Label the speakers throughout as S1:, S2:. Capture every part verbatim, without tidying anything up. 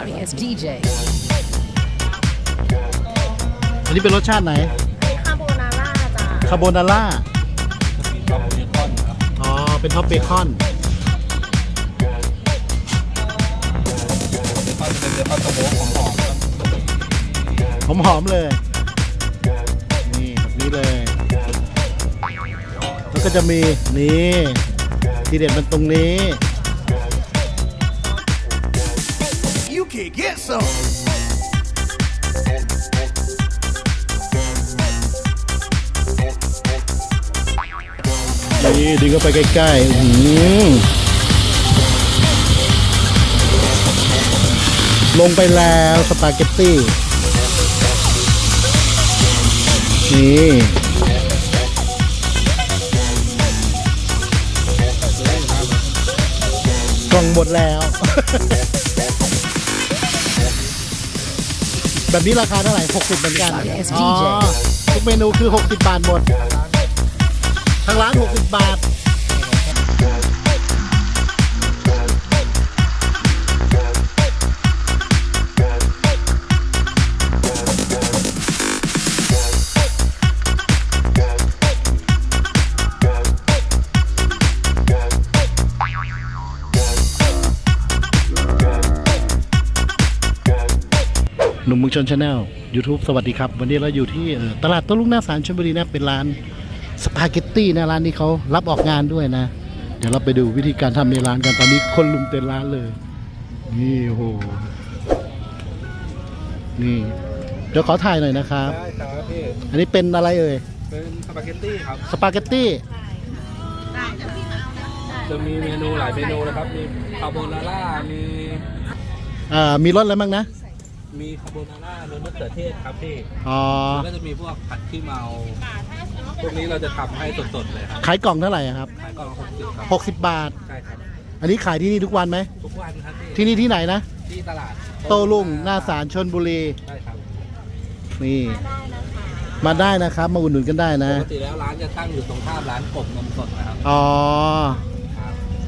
S1: Starring as ดี เจ
S2: อันนี้เป็นรสชาติไหน
S3: คาโบนาร่าจ้า
S2: คาโบนาร่า
S4: ท็อปเบคอนครับ
S2: อ๋อ เป็นท็อปเบคอน
S4: เบคอนจะเป็นเบคอนสโมกหอมๆครับ
S2: หอมๆเลย นี่แบบนี้เลย แล้วก็จะมีนี่ทีเด็ดมันตรงนี้
S5: You can get some.
S2: นี่ดึงเข้าไปใกล้ๆอื้อหือลงไปแล้วสปาเกตตี้ นี่กล่องหมดแล้ว แบบนี้ราคาเท่าไหร่หกสิบเหมือนกัน
S1: Yes,
S2: อ๋อ
S1: ดี เจ
S2: ทุกเมนูคือหกสิบบาทหมดทางร้านหกสิบบาท หนุ่มเมืองชนชาแนล YouTube สวัสดีครับ วันนี้เราอยู่ที่เอ่อตลาดโต้รุ่งหน้าศาลชลบุรีนะเป็นร้านสปาเกตตี้นะร้านนี้เขารับออกงานด้วยนะ เดี๋ยวเราไปดูวิธีการทำในร้านกันตอนนี้คนลุมเต็มร้านเลย นี่โอ้โหนี่เดี๋ยวขอถ่ายหน่อยนะครับ
S4: ได้ครับพี่
S2: อันนี้เป็นอะไรเอ่ย
S4: เป็นสปาเกตตี้ครับ
S2: สปาเกตตี้
S4: จะมีเมนูหลายเมนูนะครับ มีคาโบนาร่า มี
S2: อ่ามีรสอะไรบ้างนะ
S4: มีคาโบนาร่ารสมะเขือเทศครับพี่
S2: อ๋อ
S4: แล้วก็จะมีพวกผัดขี้เมา พวกนี้เราจะทำให้สดๆเลยครับ
S2: ขายกล่องเท่าไหร่อะครับ
S4: ขายกล่องละหกสิบครับ
S2: หกสิบบาท
S4: ใช่ครับ
S2: อันนี้ขายที่นี่ทุกวันไหม
S4: ทุกวันครับพี่
S2: ที่นี่ที่ไหนนะ
S4: ที่ตลาด
S2: โต้รุ่งหน้าศาลชลบุรี
S4: ใช่ครับ
S2: นี่มาได้นะครับ มาอุดหนุนกันได้นะ
S4: ปกติแล้วร้านจะตั้งอยู่ตรงข้ามร้านกบนมสดนะครับ
S2: อ๋อ
S4: ครับ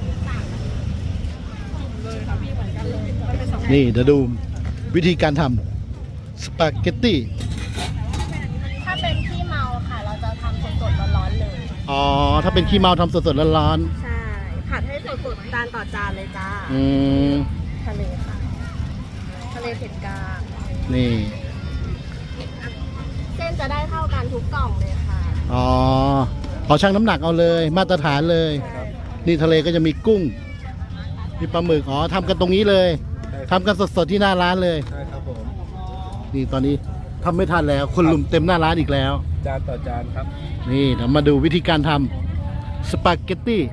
S2: นี่เดี๋ยวดูวิธีการทำสปาเกตตี้
S3: ถ้าเป็นขี้เมาค่ะ เราจะทำสดๆร้อนๆเลย
S2: อ๋อ ถ้าเป็นขี้เมาทำสดๆร้อน
S3: ใช่ ผัดให้สดๆจานต่อจานเลยจ้า
S2: ๆอืม
S3: ทะเลค่ะ ทะเลเผ็ดกลาง
S2: นี่
S3: เส้นจะได้เท่ากันทุกกล่องเลยค่ะ
S2: อ๋อขอชั่งน้ำหนักเอาเลย มาตรฐานเลย นี่ทะเลก็จะมีกุ้ง มีปลาหมึก อ๋อทำกันตรงนี้เลย
S4: ใช่ค
S2: ทำ
S4: รับ
S2: กันสดๆที่หน้าร้านเลย
S4: ใช่ครับผม
S2: นี่ตอนนี้ทำไม่ทันแล้ว คนลุมเต็มหน้าร้านอีกแล้ว
S4: จานต่อจานครับ
S2: นี่เดี๋ยวมาดูวิธีการทำสปาเกตตี้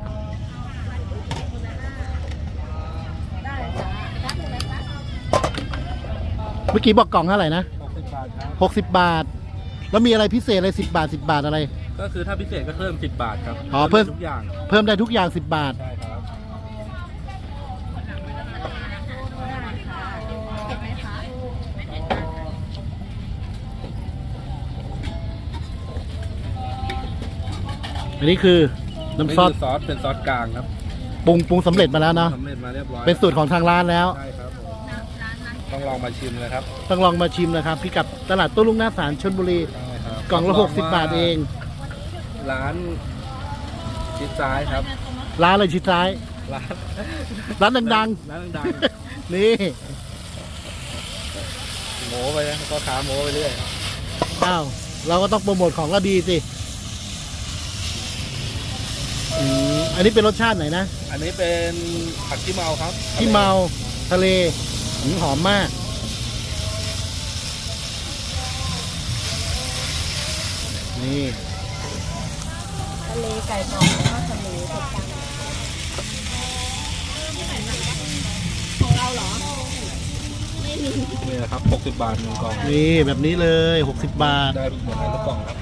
S3: ได้จ้าแป๊บนึงนะคะ
S2: เมื่อกี้บอกกล่องเท่าไหร่นะ
S4: หกสิบบาทครับ
S2: หกสิบบาท แล้วมีอะไรพิเศษอะไรสิบบาทสิบบาทอะไร
S4: ก็คือถ้าพิเศษก็เพิ่มสิบบาทครับ
S2: อ๋อเพิ่ม
S4: ทุกอย่าง
S2: เพิ่มได้ทุกอย่างสิบบาท
S4: ใช่ครับ
S3: เผ็ดไหมคะ
S2: อันนี้คือน้ำซอส
S4: นี่คืซอสเป็นซอสกลางครับ
S2: ปรุงปรุงสำเร็จมาแล้วเนาะ
S4: สำเร็จมาเรียบร้อย
S2: เป็นสูตรของทางร้านแล้ว
S4: ใช่ครับผมต้องลองมาชิมเลยครับ
S2: ต้องลองมาชิมนะครับพิกัดตลาดโต้รุ่งหน้าศาลชลบุรี
S4: ใช่ครับ
S2: กล่องละ
S4: รั
S2: หกสิบบาทเอง
S4: ร้านชิดซ้ายครับ
S2: ร้านอะไรชิดซ้าย
S4: ร้าน
S2: ร้านดัง
S4: ร้านดัง
S2: ๆ นี่
S4: ๆโม้ไปนะก็ขาโม้ไปเรื่อย
S2: อ้าวเราก็ต้องโปรโมทของก็ดีสิอืมอันนี้เป็นรสชาติไหนนะ
S4: อันนี้เป็นผัดขี้เมาครับ
S2: ที่เมาทะเลหืมหอมมาก นี่
S3: ทะเลไก่กรอบแล้วก็ทะเลเผ็ดกลางของเราเหรอ ไม่มี
S4: นี่นะครับหกสิบบาทหนึ่งกล่อง
S2: นี่แบบนี้เลยหกสิบบาท
S4: ได้หมดเลยทุกกล่องครับ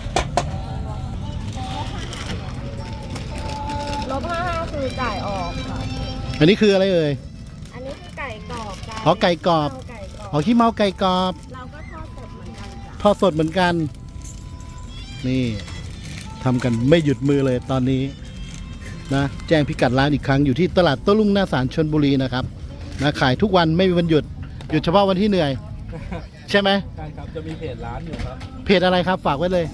S3: ลบห้าห้าคือจ่ายออกค่ะ
S2: อันนี้คืออะไรเอ่ย
S3: อันนี้คือไก่กรอบจ้า
S2: อ๋อไก่กรอบ
S3: ไก่กรอบ
S2: อ๋อขี้เมาไก่กรอบ
S3: เราก็ทอดสดเหมือนกันจ้ะ
S2: ทอดสดเหมือนกัน นี่ทำกันไม่หยุดมือเลยตอนนี้นะแจ้งพิกัดร้านอีกครั้งอยู่ที่ตลาดโต้รุ่งหน้าศาลชลบุรีนะครับนะขายทุกวันไม่มีวันหยุดหยุดเฉพาะวันที่เหนื่อย ใช่ไหม
S4: ใช่ครับจะมีเพจร้านอยู่ครับ
S2: เพจอะไรครับฝากไว้เลย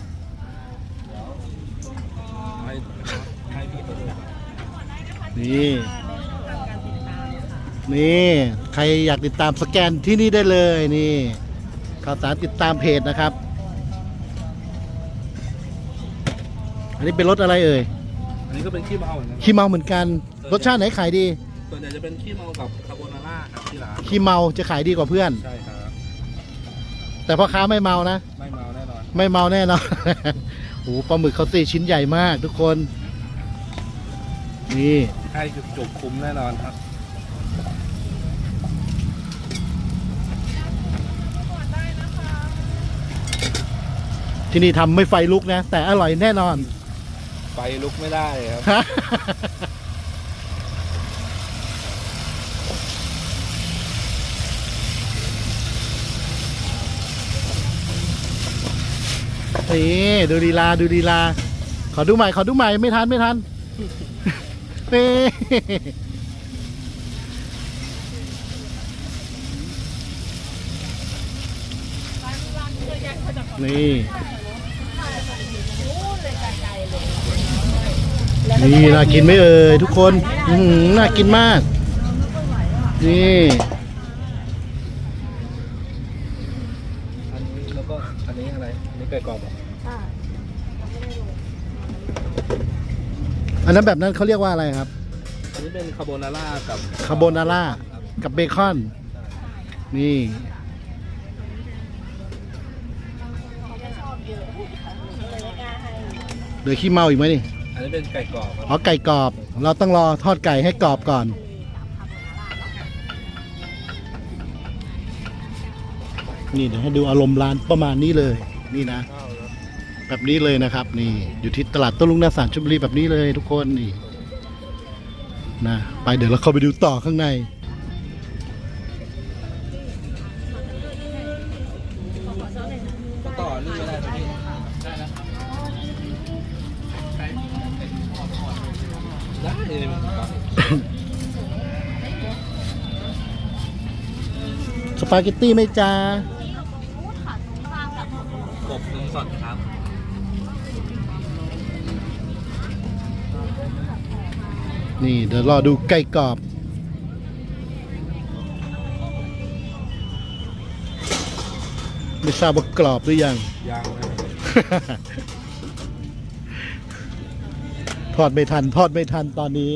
S4: ให้ให้พี่เขาด้วยครับ
S2: นี่ นี่ ใครอยากติดตามสแกนที่นี่ได้เลยนี่ข่าวสารติดตามเพจนะครับ อันนี้เป็นรถอะไรเอ่ย
S4: อันนี้ก็เป็นขี้เมาเหมือนกัน
S2: ขี้เมาเหมือนกัน รสชาติไหนขายดี
S4: ส่วนใหญ่จะเป็นขี้เมากับคาโบนาร่าครับที่ร้าน
S2: ขี้เมาจะขายดีกว่าเพื่อน
S4: ใช่ครับ
S2: แต่พ่อค้าไม่เมานะ
S4: ไม่เมาแน่นอน
S2: ไม่เมาแน่นอน โอ้โหปลาหมึกเขาตีชิ้นใหญ่มากทุกคน นี่
S4: ให้จุกคุ้มแน่นอนครับ
S2: ที่นี่ทำไม่ไฟลุกนะ แต่อร่อยแน่นอน
S4: ไฟลุกไม่ได้ครับ
S2: นี่ดูดีลาดูดีลา ขอดูใหม่ขอดูใหม่ไม่ทันไม่ทัน นี่นี่นี่น่ากินไหมเอ่ยทุกคนอื้อหือน่ากินมาก นี่
S4: อันนี้แล้วก็อันนี้อะไร อันนี้ไก่กรอบเหรอ
S2: อันนั้นแบบนั้นเขาเรียกว่าอะไรครับ
S4: อันนี้เป็นคาโบนาร่ากับ
S2: คาโบนาร่ากับเบคอน นี่ เดี๋ยวขี้เมาอีกไหมนี่
S4: อันนี้เป็นไก่กรอบครับ
S2: อ๋อไก่กรอบ เราต้องรอทอดไก่ให้กรอบก่อน นี่เดี๋ยวให้ดูอารมณ์ร้านประมาณนี้เลย นี่นะ แบบนี้เลยนะครับ นี่ อยู่ที่ตลาดโต้รุ่งหน้าศาลชลบุรีแบบนี้เลยทุกคนนี่นะไปเดี๋ยวเราเข้าไปดูต่อข้างใน
S4: ต่อนี่ไม่ได้ไหมพี่ได้เลยครับ
S2: สปาเกตตี้ไหมจ้าก
S4: บนมสดครับ
S2: นี่เดี๋ยวรอดูไก่กรอบ ไม่ทราบว่ากรอบหรือยัง
S4: ยางเลย
S2: ทอดไม่ทันทอดไม่ทันตอนนี้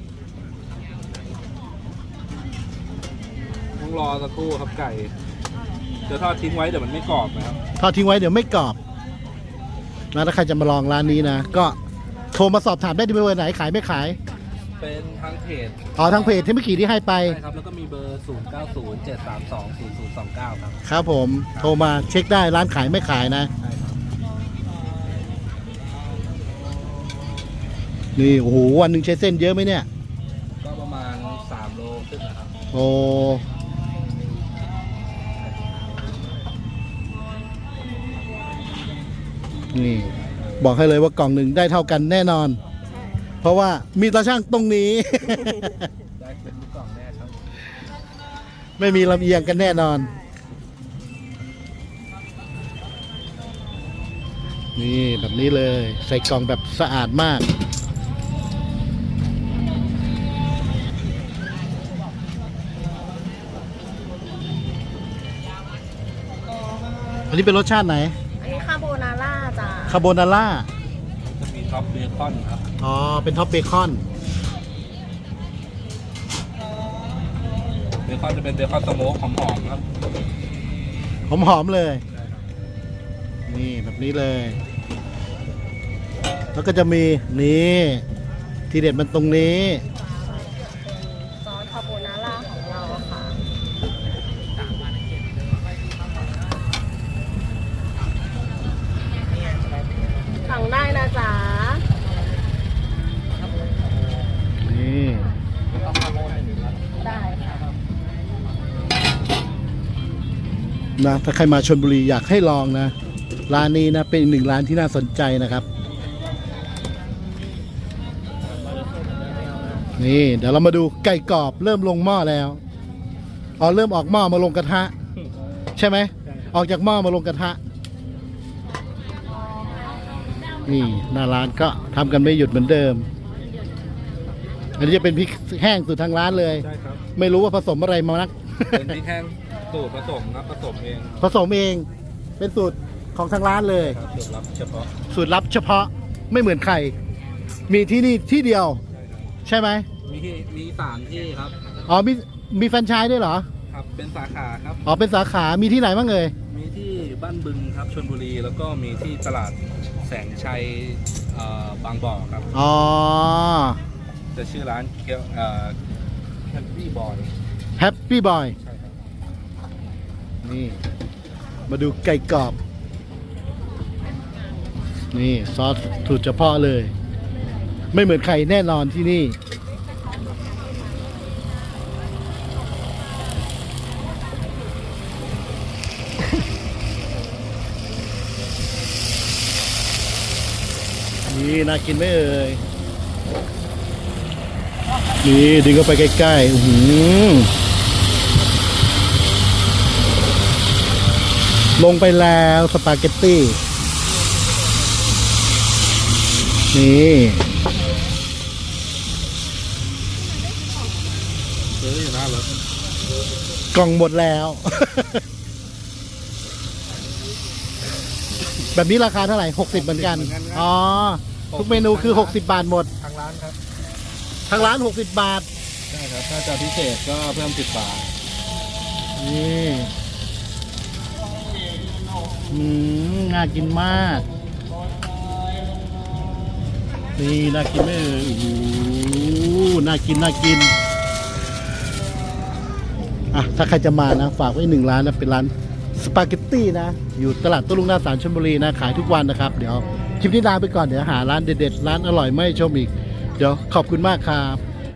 S4: ต้องรอสักครู่ครับไก่เดี๋ยวทอดทิ้งไว้เดี๋ยวมันไม่กรอบนะครับ
S2: ทอดทิ้งไว้เดี๋ยวไม่กรอบนะถ้าใครจะมาลองร้านนี้นะ ก็โทรมาสอบถามได้ที่เบอร์ไหนขายไม่ขาย
S4: เป็นทางเพจ
S2: อ๋อทางเพจที่เมื่อกี้ที่ให้ไป
S4: ใช่ครับแล้วก็มีเบอร์ ศูนย์ เก้า ศูนย์ เจ็ด สาม สอง ศูนย์ ศูนย์ สอง เก้า ครับ
S2: ครับผมโทรมาเช็คได้ร้านขายไม่ขายนะ
S4: ใช่ครับ
S2: นี่โอ้โหวันหนึ่งใช้เส้นเยอะไหมเนี่ย
S4: ก็ประมาณสามโลครึ่งนะครับ
S2: โอ้นี่บอกให้เลยว่ากล่องหนึ่งได้เท่ากันแน่นอน เพราะว่ามีตาช่างตรงนี้
S4: ได้เป็นลูกกล่องแน่ครับ
S2: ไม่มีลำเอียงกันแน่นอน นี่แบบนี้เลย ใส่กล่องแบบสะอาดมาก อันนี้เป็นรสชาติไหน
S3: อันนี้คาโบนาร่าจ้า
S2: คาโบนาร่า
S4: จะมีท็อปเบคอนครับ
S2: อ๋อ เป็นท็อปเบคอน
S4: เบคอนจะเป็นเบคอนสโมกหอมๆครับ
S2: หอมๆเลย นี่แบบนี้เลย แล้วก็จะมีนี่ทีเด็ดมันตรงนี้
S3: ซอสคาโบนาร่าของเราค่ะสั่งได้นะจ๊ะ
S2: นี่
S3: ได้ค่ะ
S2: นะถ้าใครมาชลบุรีอยากให้ลองนะ ร้านนี้นะเป็นอีกหนึ่งร้านที่น่าสนใจนะครับ นี่เดี๋ยวเรามาดูไก่กรอบเริ่มลงหม้อแล้วอ๋อเริ่มออกหม้อมาลงกระทะ ใช่ไหมออกจากหม้อมาลงกระทะนี่หน้าร้านก็ทำกันไม่หยุดเหมือนเดิม อันนี้จะเป็นพริกแห้งสูตรทางร้านเลย
S4: ใช่ครับ
S2: ไม่รู้ว่าผสมอะไรมานัก
S4: เป็นพริกแห้งสูตรผสมครับผสมเอง
S2: ผสมเองเป็นสูตรของทางร้านเลย
S4: ครับสูตรลับเฉพาะ
S2: สูตรลับเฉพาะไม่เหมือนใคร มีที่นี่ที่เดียว
S4: ใช่ครับ
S2: ใช่ไหม
S4: มีที่มีสามที่ครับ
S2: อ๋อมีมีแฟรนไชส์ด้วยเหรอ
S4: ครับเป็นสาขาครับ
S2: อ๋อเป็นสาขามีที่ไหนบ้างเอ่ย
S4: มีที่บ้านบึงครับชลบุรี แล้วก็มีที่ตลาดแสงชัยเอ่อบางบ่อครับ
S2: อ๋อ
S4: จะชื่อร้านเกียวเอ่อแคมปี้บอย
S2: แฮปปี้บอย
S4: ใช่ครับ
S2: นี่ มาดูไก่กรอบ นี่ซอสสูตรเฉพาะเลย ไม่เหมือนใครแน่นอนที่นี่ นี่น่ากินไหมเอ่ย นี่ดึงเข้าไปใกล้ๆอื้อหือลงไปแล้วสปาเกตตี้ นี่
S4: ซื้ออยู่หน้ารถ
S2: กล่องหมดแล้ว แบบนี้ราคาเท่าไหร่หกสิบเหมือนกัน อ๋อ ทุกเมนูคือหกสิบบาทหมด
S4: ทางร้านครับ
S2: ทางร้านหกสิบบาท
S4: ใช่ครับ ถ้าจะพิเศษก็เพิ่มสิบบาท
S2: นี่อืมน่ากินมาก นี่น่ากินไหมเอ่ยโอ้โหน่ากินน่ากิน อ่ะ ถ้าใครจะมานะ ฝากไว้หนึ่งร้านนะ เป็นร้านสปาเกตตี้นะ อยู่ตลาดโต้รุ่งหน้าศาลชลบุรีนะ ขายทุกวันนะครับ เดี๋ยวคลิปนี้ลาไปก่อน เดี๋ยวหาร้านเด็ดๆ ร้านอร่อยไม่ชมอีก เดี๋ยวขอบคุณมากครับ